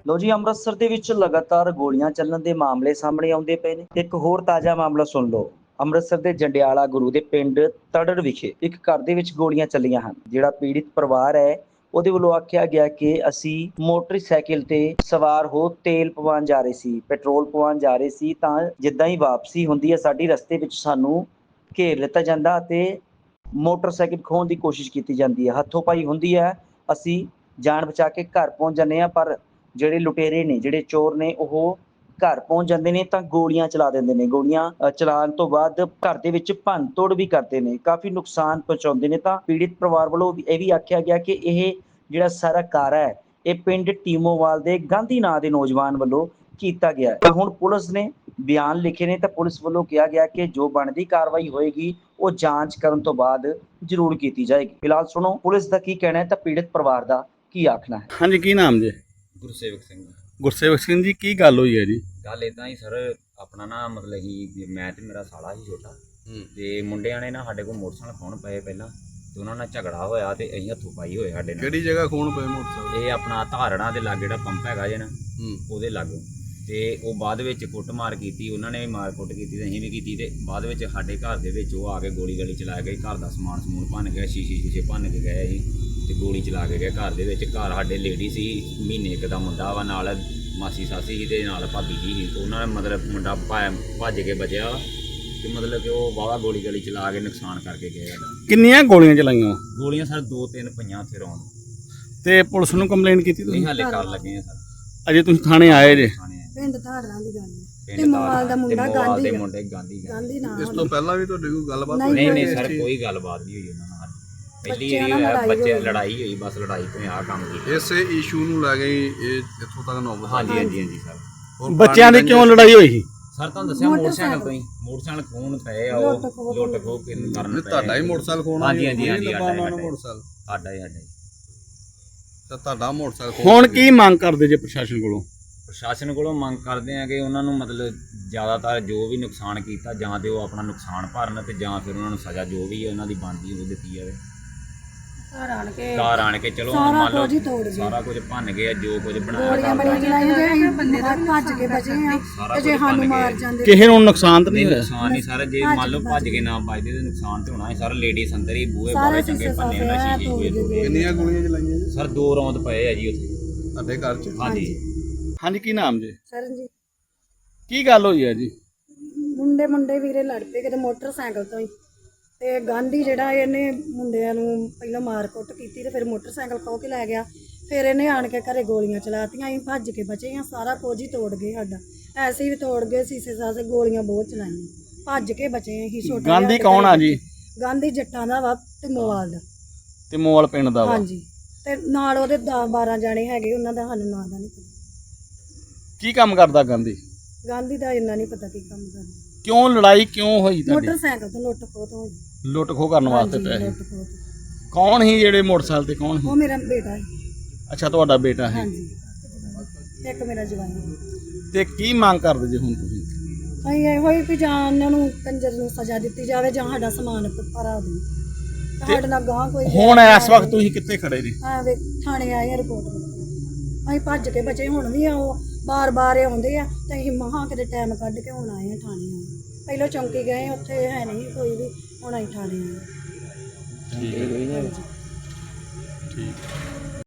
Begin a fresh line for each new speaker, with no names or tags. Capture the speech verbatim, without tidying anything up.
ਲੋ ਜੀ, ਅੰਮ੍ਰਿਤਸਰ ਦੇ ਵਿੱਚ ਲਗਾਤਾਰ ਗੋਲੀਆਂ ਚੱਲਣ ਦੇ ਮਾਮਲੇ ਸਾਹਮਣੇ ਆਉਂਦੇ ਪਏ ਨੇ। ਇੱਕ ਹੋਰ ਤਾਜ਼ਾ ਮਾਮਲਾ ਸੁਣ ਲਓ। ਅੰਮ੍ਰਿਤਸਰ ਦੇ ਜੰਡਿਆਲਾ ਗੁਰੂ ਦੇ ਪਿੰਡ ਤੜੜ ਵਿਖੇ ਇੱਕ ਘਰ ਦੇ ਵਿੱਚ ਗੋਲੀਆਂ ਚੱਲੀਆਂ ਹਨ। ਜਿਹੜਾ ਪੀੜਿਤ ਪਰਿਵਾਰ ਹੈ, ਉਹਦੇ ਵੱਲੋਂ ਆਖਿਆ ਗਿਆ ਕਿ ਅਸੀਂ ਮੋਟਰਸਾਈਕਲ ਤੇ ਸਵਾਰ ਹੋ ਤੇਲ ਪਵਾਉਣ ਜਾ ਰਹੇ ਸੀ, ਪੈਟਰੋਲ ਪਵਾਉਣ ਜਾ ਰਹੇ ਸੀ, ਤਾਂ ਜਿੱਦਾਂ ਹੀ ਵਾਪਸੀ ਹੁੰਦੀ ਹੈ ਸਾਡੀ ਰਸਤੇ ਵਿੱਚ ਸਾਨੂੰ ਘੇਰ ਲਿੱਤਾ ਜਾਂਦਾ ਅਤੇ ਮੋਟਰਸਾਈਕਲ ਖੋਹਣ ਦੀ ਕੋਸ਼ਿਸ਼ ਕੀਤੀ ਜਾਂਦੀ ਹੈ। ਹੱਥੋਂ ਪਾਈ ਹੁੰਦੀ ਹੈ, ਅਸੀਂ ਜਾਨ ਬਚਾ ਕੇ ਘਰ ਪਹੁੰਚ ਜਾਂਦੇ ਹਾਂ, ਪਰ ਜਿਹੜੇ ਲੁਟੇਰੇ ਨੇ, ਜਿਹੜੇ ਚੋਰ ਨੇ, ਉਹ ਘਰ ਪਹੁੰਚ ਜਾਂਦੇ ਨੇ ਤਾਂ ਗੋਲੀਆਂ ਚਲਾ ਦਿੰਦੇ ਨੇ। ਗੋਲੀਆਂ ਚਲਾਉਣ ਤੋਂ ਬਾਅਦ ਘਰ ਦੇ ਵਿੱਚ ਭੰਨ ਤੋੜ ਵੀ ਕਰਦੇ ਨੇ, ਕਾਫੀ ਨੁਕਸਾਨ ਪਹੁੰਚਾਉਂਦੇ ਨੇ। ਤਾਂ ਪੀੜਿਤ ਪਰਿਵਾਰ ਵੱਲੋਂ ਇਹ ਵੀ ਆਖਿਆ ਗਿਆ ਕਿ ਇਹ ਜਿਹੜਾ ਸਾਰਾ ਕਾਰਾ ਹੈ, ਇਹ ਪਿੰਡ ਟੀਮੋਵਾਲ ਦੇ ਗਾਂਧੀ ਨਾਂ ਦੇ ਨੌਜਵਾਨ ਵੱਲੋਂ ਕੀਤਾ ਗਿਆ ਹੈ। ਹੁਣ ਪੁਲਿਸ ਨੇ ਬਿਆਨ ਲਿਖੇ ਨੇ ਤਾਂ ਪੁਲਿਸ ਵੱਲੋਂ ਕਿਹਾ ਗਿਆ ਕਿ ਜੋ ਬਣਦੀ ਕਾਰਵਾਈ ਹੋਏਗੀ ਉਹ ਜਾਂਚ ਕਰਨ ਤੋਂ ਬਾਅਦ ਜ਼ਰੂਰ ਕੀਤੀ ਜਾਏਗੀ। ਫਿਲਹਾਲ ਸੁਣੋ ਪੁਲਿਸ ਦਾ ਕੀ ਕਹਿਣਾ ਹੈ ਤਾਂ ਪੀੜਿਤ ਪਰਿਵਾਰ ਦਾ ਕੀ ਆਖਣਾ ਹੈ।
ਹਾਂਜੀ, ਕੀ ਨਾਮ ਜੀ?
ਗੁਰਸੇਵਕ ਸਿੰਘ।
ਗੁਰਸੇਵਕ ਸਿੰਘ ਜੀ, ਕੀ ਗੱਲ ਹੋਈ ਹੈ ਜੀ?
ਗੱਲ ਇਦਾਂ ਹੀ ਸਰ, ਆਪਣਾ ਨਾ ਮਤਲਬ ਹੀ ਮੈਂ ਤੇ ਮੇਰਾ ਸਾਲਾ ਹੀ ਛੋਟਾ, ਤੇ ਮੁੰਡਿਆਂ ਨੇ ਨਾ ਸਾਡੇ ਕੋਲ ਮੋਟਰਸਾਈਕਲ ਖੋਣ ਪਏ ਪਹਿਲਾਂ, ਤੇ ਉਹਨਾਂ ਨਾਲ ਝਗੜਾ ਹੋਇਆ ਤੇ ਅਸੀਂ ਹੱਥੋਂ ਪਾਈ ਹੋਏ ਸਾਡੇ ਨਾਲ।
ਕਿਹੜੀ ਜਗ੍ਹਾ ਖੋਣ ਪਏ ਮੋਟਰਸਾਈਕਲ?
ਇਹ ਆਪਣਾ ਧਾਰਣਾ ਦੇ ਲਾਗੇ ਜਿਹੜਾ ਪੰਪ ਹੈਗਾ ਜੇ ਨਾ, ਉਹਦੇ ਲਾਗੋਂ। ਤੇ ਉਹ ਬਾਅਦ ਵਿੱਚ ਕੁੱਟ ਮਾਰ ਕੀਤੀ, ਉਹਨਾਂ ਨੇ ਵੀ ਮਾਰ ਕੁੱਟ ਕੀਤੀ ਤੇ ਅਸੀਂ ਵੀ ਕੀਤੀ। ਤੇ ਬਾਅਦ ਵਿੱਚ ਸਾਡੇ ਘਰ ਦੇ ਵਿੱਚ ਉਹ ਆ ਕੇ ਗੋਲੀ ਗਾਲੀ ਚਲਾ ਗਏ। ਘਰ ਦਾ ਸਮਾਨ ਸਮੂਨ ਭੰਨ ਗਿਆ, ਸ਼ੀਸ਼ੇ ਸ਼ੀਸ਼ੇ ਭੰਨ ਕੇ ਗਏ ਜੀ, ਤੇ ਗੋਲੀ ਚਲਾ ਕੇ ਗਏ ਘਰ ਦੇ ਵਿੱਚ। ਘਰ ਸਾਡੇ ਲੇਡੀ ਸੀ, ਮਹੀਨੇ ਇੱਕ ਦਾ ਮੁੰਡਾ ਵਾ, ਨਾਲ ਮਾਸੀ ਸਾਸੀ ਸੀ ਤੇ ਨਾਲ ਭਾਬੀ ਜੀ ਸੀ। ਉਹਨਾਂ ਨੇ ਮਤਲਬ ਮੁੰਡਾ ਭੱਜ ਕੇ ਬਚਿਆ ਤੇ ਮਤਲਬ ਕਿ ਉਹ ਵਾਹਵਾ ਗੋਲੀ ਗਾਲੀ ਚਲਾ ਕੇ ਨੁਕਸਾਨ ਕਰਕੇ ਗਏ।
ਕਿੰਨੀਆਂ ਗੋਲੀਆਂ ਚਲਾਈਆਂ?
ਗੋਲੀਆਂ ਸਰ ਦੋ ਤਿੰਨ ਪਈਆਂ ਉੱਥੇ ਰੌਣ।
ਤੇ ਪੁਲਿਸ ਨੂੰ ਕੰਪਲੇਂਟ ਕੀਤੀ ਤੁਸੀਂ?
ਅਸੀਂ ਹਾਲੇ ਕਰ ਲੱਗੇ ਆ ਸਰ।
ਅਜੇ ਤੁਸੀਂ ਥਾਣੇ ਆਏ ਜੇ?
ਪਿੰਡ ਧਾਰਾਂ ਦੀ ਗੱਲ ਹੈ ਤੇ ਮੋਵਾਲ ਦਾ ਮੁੰਡਾ ਗਾਂਧੀ
ਦੇ ਮੁੰਡੇ ਗਾਂਧੀ
ਗਾਂਧੀ ਨਾਮ।
ਇਸ ਤੋਂ ਪਹਿਲਾਂ ਵੀ ਤੁਹਾਡੀ ਕੋਈ ਗੱਲਬਾਤ?
ਨਹੀਂ ਨਹੀਂ ਸਰ, ਕੋਈ ਗੱਲਬਾਤ ਨਹੀਂ ਹੋਈ ਉਹਨਾਂ ਨਾਲ। ਪਹਿਲੀ ਵਾਰੀ ਬੱਚੇ ਲੜਾਈ ਹੋਈ, ਬਸ ਲੜਾਈ ਤੋਂ ਆ ਕੰਮ ਕੀਤਾ।
ਇਸੇ ਇਸ਼ੂ ਨੂੰ ਲੈ ਕੇ ਇਹ ਇੱਥੋਂ ਤੱਕ ਨੌਬਤ?
ਹਾਂਜੀ ਹਾਂਜੀ ਹਾਂਜੀ ਸਰ।
ਬੱਚਿਆਂ ਦੀ ਕਿਉਂ ਲੜਾਈ ਹੋਈ ਸੀ
ਸਰ? ਤੁਹਾਨੂੰ ਦੱਸਿਆ ਮੋਟਰਸਾਈਕਲ ਤੋਂ ਹੀ ਮੋਟਰਸਾਈਕਲ ਖੋਣ ਪਏ ਆ, ਉਹ ਲੁੱਟ ਖੋਹ ਕਰਨ ਪਏ।
ਤੁਹਾਡਾ ਹੀ ਮੋਟਰਸਾਈਕਲ ਖੋਣਾ?
ਹਾਂਜੀ ਹਾਂਜੀ ਹਾਂਜੀ,
ਮੋਟਰਸਾਈਕਲ
ਸਾਡਾ ਹੀ ਸਾਡਾ ਹੀ।
ਤਾਂ ਤੁਹਾਡਾ ਮੋਟਰਸਾਈਕਲ ਹੁਣ ਕੀ ਮੰਗ ਕਰਦੇ ਜੇ ਪ੍ਰਸ਼ਾਸਨ ਕੋਲੋਂ?
ਪ੍ਰਸ਼ਾਸਨ ਕੋਲੋਂ ਮੰਗ ਕਰਦੇ ਆ ਕਿ ਉਹਨਾਂ ਨੂੰ ਮਤਲਬ ਜ਼ਿਆਦਾਤਰ ਜੋ ਵੀ ਨੁਕਸਾਨ ਕੀਤਾ, ਜਾਂ ਤੇ ਉਹ ਆਪਣਾ ਨੁਕਸਾਨ ਭਰਨ ਤੇ ਜਾਂ ਫਿਰ ਉਹਨਾਂ ਨੂੰ ਸਜ਼ਾ ਜੋ ਵੀ ਹੈ ਉਹਨਾਂ ਦੀ ਬਣਦੀ ਉਹ ਦਿੱਤੀ ਜਾਵੇ।
ਘਰ ਆਣ ਕੇ
ਘਰ ਆਣ ਕੇ ਚਲੋ
ਸਾਰਾ
ਮੰਨ
ਕੁਝ ਹੀ
ਲਓ
ਤੋੜ ਗਏ,
ਸਾਰਾ ਕੁਝ ਭੰਨ ਗਏ, ਜੋ ਕੁਝ ਬਣਾਇਆ
ਗੋਲੀਆਂ ਬੜੀਆਂ ਚਲਾਈਆਂ ਜੇ ਬੰਦੇ ਦਾ ਭੱਜ ਕੇ ਬਚੇ ਆ ਤੇ ਜੇ ਸਾਨੂੰ ਮਾਰ ਜਾਂਦੇ।
ਕਿਸੇ ਨੂੰ ਨੁਕਸਾਨ ਤਾਂ ਨਹੀਂ ਹੋਇਆ?
ਨੁਕਸਾਨ ਨਹੀਂ ਸਰ, ਜੇ ਮੰਨ ਲਓ ਭੱਜ ਕੇ ਨਾ ਵੱਜਦੇ ਤੇ ਨੁਕਸਾਨ ਤੇ ਹੋਣਾ ਸੀ ਸਰ। ਲੇਡੀਜ਼ ਅੰਦਰ ਹੀ ਬੂਹੇ ਬਾਰੇ ਚੰਗੇ ਭੰਨੇ ਹੋਣਾ, ਸ਼ੀਸ਼ੇ ਹੋਏ ਤੋੜੇ।
ਕਿੰਨੀਆਂ ਗੋਲੀਆਂ ਚਲਾਈਆਂ ਜੀ
ਸਰ ਦੋ ਰੌਂਦ ਪਏ ਆ ਜੀ ਉੱਥੇ
ਤੁਹਾਡੇ ਘਰ 'ਚ?
ਹਾਂਜੀ
ਹਾਂਜੀ, ਕੀ ਨਾਮ ਜੀ?
ਸਰਨਜੀਤ।
ਕੀ ਗੱਲ ਹੋਈ ਹੈ ਜੀ?
ਮੁੰਡੇ ਮੁੰਡੇ ਵੀਰੇ ਲੜ ਪਏ ਕਿਤੇ ਮੋਟਰਸਾਈਕਲ ਤੋਂ ਹੀ, ਤੇ ਗਾਂਧੀ ਜਿਹੜਾ ਇਹਨੇ ਮੁੰਡਿਆਂ ਨੂੰ ਪਹਿਲਾਂ ਮਾਰ ਕੁੱਟ ਕੀਤੀ ਤੇ ਫਿਰ ਮੋਟਰਸਾਈਕਲ ਖੋਹ ਕੇ ਲੈ ਗਿਆ। ਫਿਰ ਇਹਨੇ ਆਣ ਕੇ ਘਰੇ ਗੋਲੀਆਂ ਚਲਾਤੀਆਂ, ਅਸੀਂ ਭੱਜ ਕੇ ਬਚੇ ਆ। ਸਾਰਾ ਕੁਝ ਹੀ ਤੋੜ ਗਏ ਸਾਡਾ, ਐਸੇ ਵੀ ਤੋੜ ਗਏ, ਸੀਸੇ ਸਾਸੇ ਗੋਲੀਆਂ ਬਹੁਤ ਚਲਾਈਆਂ, ਭੱਜ ਕੇ ਬਚੇ ਅਸੀਂ। ਛੋਟਾ
ਗਾਂਧੀ ਕੌਣ ਆ ਜੀ?
ਗਾਂਧੀ ਜੱਟਾਂ ਦਾ ਵਾ ਤੇ ਮੋਵਾਲ ਦਾ।
ਤੇ ਮੋਵਾਲ ਪਿੰਡ ਦਾ ਵਾ?
ਹਾਂਜੀ, ਤੇ ਨਾਲ ਉਹਦੇ ਦਸ ਬਾਰਾਂ ਜਾਣੇ ਹੈਗੇ, ਉਹਨਾਂ ਦਾ ਸਾਨੂੰ ਨਾਂ ਦਾ ਨਹੀਂ ਪਤਾ।
ਕੀ ਕੰਮ ਕਰਦਾ ਗਾਂਧੀ?
ਗਾਂਧੀ ਦਾ ਇੰਨਾ ਨਹੀਂ ਪਤਾ ਕੀ ਕੰਮ ਕਰਦਾ।
ਕਿਉਂ ਲੜਾਈ ਕਿਉਂ ਹੋਈ ਤੁਹਾਡੀ?
ਮੋਟਰਸਾਈਕਲ ਤੋਂ ਲੁੱਟ ਖੋਹ ਤੋਂ ਹੋਈ।
ਲੁੱਟ ਖੋਹ ਕਰਨ ਵਾਸਤੇ
ਹਾਂਜੀ,
ਪੈਸੇ?
ਲੁੱਟ ਖੋਹ ਤੋਂ।
ਕੌਣ ਸੀ ਜਿਹੜੇ ਮੋਟਰਸਾਈਕਲ ਤੇ? ਕੌਣ ਸੀ?
ਉਹ ਮੇਰਾ ਬੇਟਾ ਹੈ।
ਅੱਛਾ, ਤੁਹਾਡਾ ਬੇਟਾ ਹੈ।
ਹਾਂਜੀ, ਇੱਕ ਮੇਰਾ ਜਵਾਈ ਹੈ।
ਤੇ ਕੀ ਮੰਗ ਕਰਦੇ ਜੇ ਹੁਣ ਤੁਸੀਂ?
ਅਸੀਂ ਇਹੋ ਹੀ ਵੀ ਜਾਂ ਉਹਨਾਂ ਨੂੰ ਕੰਜਰ ਨੂੰ ਸਜ਼ਾ ਦਿੱਤੀ ਜਾਵੇ ਜਾਂ ਸਾਡਾ ਸਮਾਨ ਭਰਾ ਦੇ। ਸਾਡੇ ਨਾਲ ਗਾਂ ਕੋਈ
ਹੁਣ ਇਸ ਵਕਤ ਤੁਸੀਂ ਕਿੱਥੇ ਖੜੇ ਜੀ?
ਆ ਵੇ ਥਾਣੇ ਆਏ ਆ ਰਿਪੋਰਟ ਕਰਨ। ਅਸੀਂ ਭੱਜ ਕੇ ਬਚੇ, ਹੁਣ ਵੀ ਆ ਉਹ ਬਾਰ ਬਾਰ ਆਉਂਦੇ ਆ ਤੇ ਅਸੀਂ ਮਹਾਂ ਕਿਤੇ ਟਾਈਮ ਕੱਢ ਕੇ ਹੁਣ ਆਏ ਆ ਥਾਣੇ ਆਏ। ਪਹਿਲਾਂ ਚੌਂਕੀ ਗਏ, ਉੱਥੇ ਹੈ ਨਹੀਂ ਕੋਈ ਵੀ, ਹੁਣ ਅਸੀਂ ਥਾਣੇ ਆਏ।
ਠੀਕ ਹੈ, ਠੀਕ।